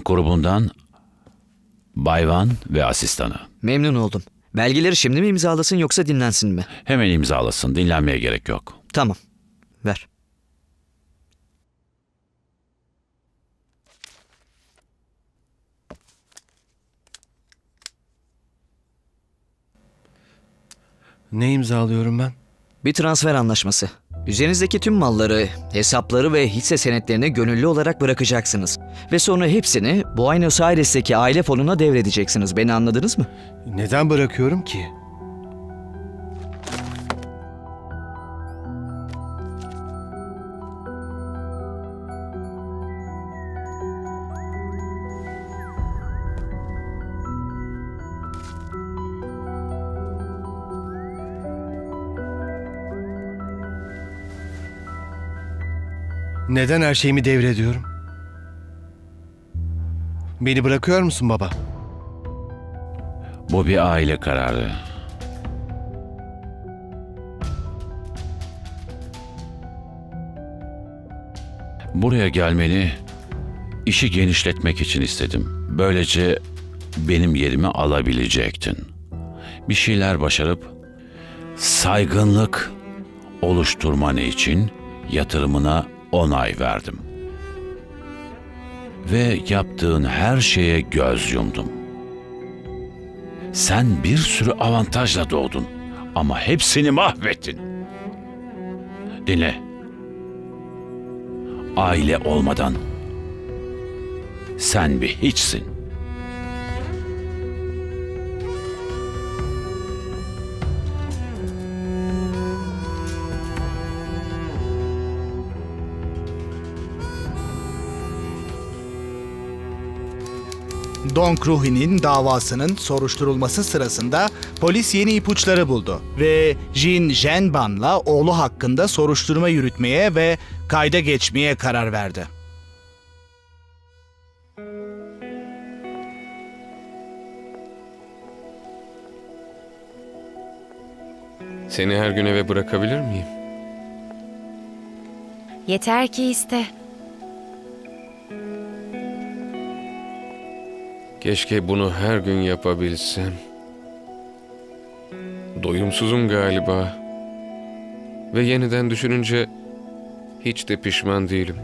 grubundan Bayvan ve asistanı. Memnun oldum. Belgeleri şimdi mi imzalasın yoksa dinlensin mi? Hemen imzalasın. Dinlenmeye gerek yok. Tamam. Ver. Ne imzalıyorum ben? Bir transfer anlaşması. Üzerinizdeki tüm malları, hesapları ve hisse senetlerini gönüllü olarak bırakacaksınız. Ve sonra hepsini Buenos Aires'teki aile fonuna devredeceksiniz. Beni anladınız mı? Neden bırakıyorum ki? Neden her şeyimi devrediyorum? Beni bırakıyor musun baba? Bu bir aile kararı. Buraya gelmeni işi genişletmek için istedim. Böylece benim yerimi alabilecektin. Bir şeyler başarıp saygınlık oluşturman için yatırımına onay verdim. Ve yaptığın her şeye göz yumdum. Sen bir sürü avantajla doğdun ama hepsini mahvettin. Dinle. Aile olmadan sen bir hiçsin. Don Kruhi'nin davasının soruşturulması sırasında polis yeni ipuçları buldu ve Jin Zhenban'la oğlu hakkında soruşturma yürütmeye ve kayda geçmeye karar verdi. Seni her gün eve bırakabilir miyim? Yeter ki iste. Keşke bunu her gün yapabilsem. Doyumsuzum galiba. Ve yeniden düşününce hiç de pişman değilim.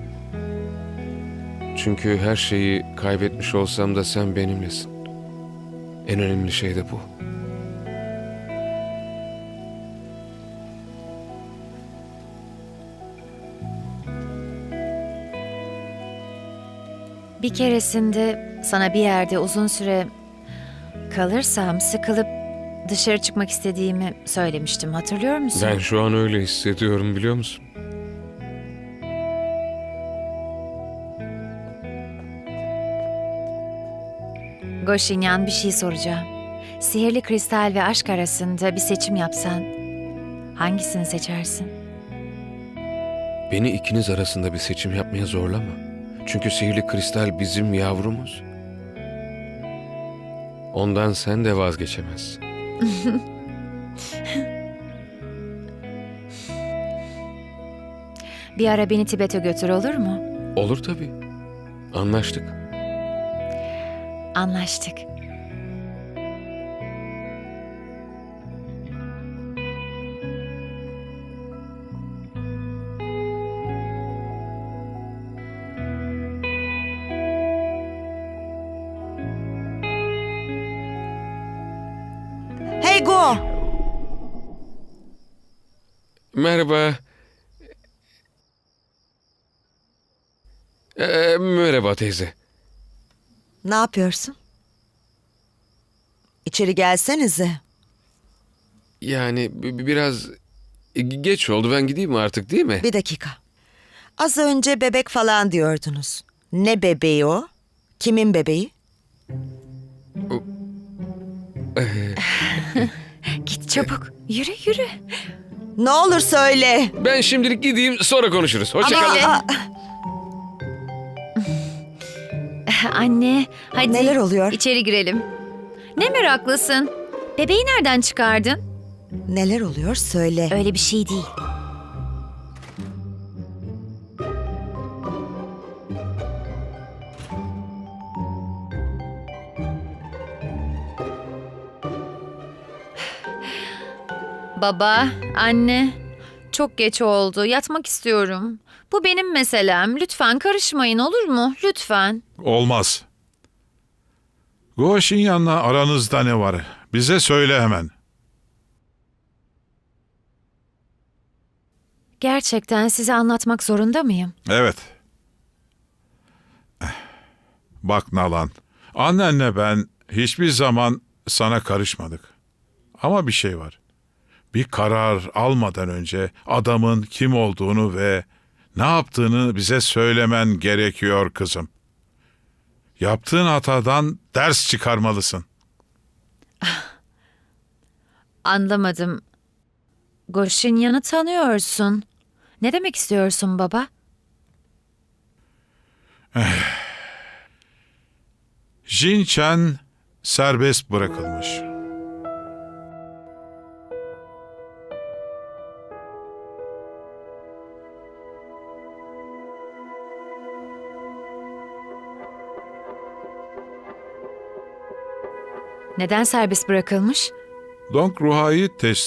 Çünkü her şeyi kaybetmiş olsam da sen benimlesin. En önemli şey de bu. Bir keresinde sana bir yerde uzun süre kalırsam sıkılıp dışarı çıkmak istediğimi söylemiştim. Hatırlıyor musun? Ben şu an öyle hissediyorum, biliyor musun? Goşinyan, bir şey soracağım. Sihirli kristal ve aşk arasında bir seçim yapsan hangisini seçersin? Beni ikiniz arasında bir seçim yapmaya zorlama. Çünkü sihirli kristal bizim yavrumuz. Ondan sen de vazgeçemezsin. Bir ara beni Tibet'e götür, olur mu? Olur tabii. Anlaştık. Anlaştık. Hey Go! Merhaba. Merhaba teyze. Ne yapıyorsun? İçeri gelsenize. Yani biraz geç oldu. Ben gideyim mi artık, değil mi? Bir dakika. Az önce bebek falan diyordunuz. Ne bebeği o? Kimin bebeği? Git çabuk. Yürü yürü. Ne olur söyle. Ben şimdilik gideyim, sonra konuşuruz. Hoşça kalın. Aa, Anne, hadi. Neler oluyor? İçeri girelim. Ne meraklısın? Bebeği nereden çıkardın? neler oluyor söyle. Öyle bir şey değil. Baba, anne, çok geç oldu. Yatmak istiyorum. Bu benim meselem. Lütfen karışmayın, olur mu? Lütfen. Olmaz. Goşinyan'la aranızda ne var? Bize söyle hemen. Gerçekten size anlatmak zorunda mıyım? Evet. Bak Nalan, annenle ben hiçbir zaman sana karışmadık. Ama bir şey var. Bir karar almadan önce adamın kim olduğunu ve ne yaptığını bize söylemen gerekiyor kızım. Yaptığın hatadan ders çıkarmalısın. Anlamadım. Goşinyan'ı tanıyorsun. Ne demek istiyorsun baba? Jin Chen serbest bırakılmış. Neden serbest bırakılmış? Dong Ruha'yı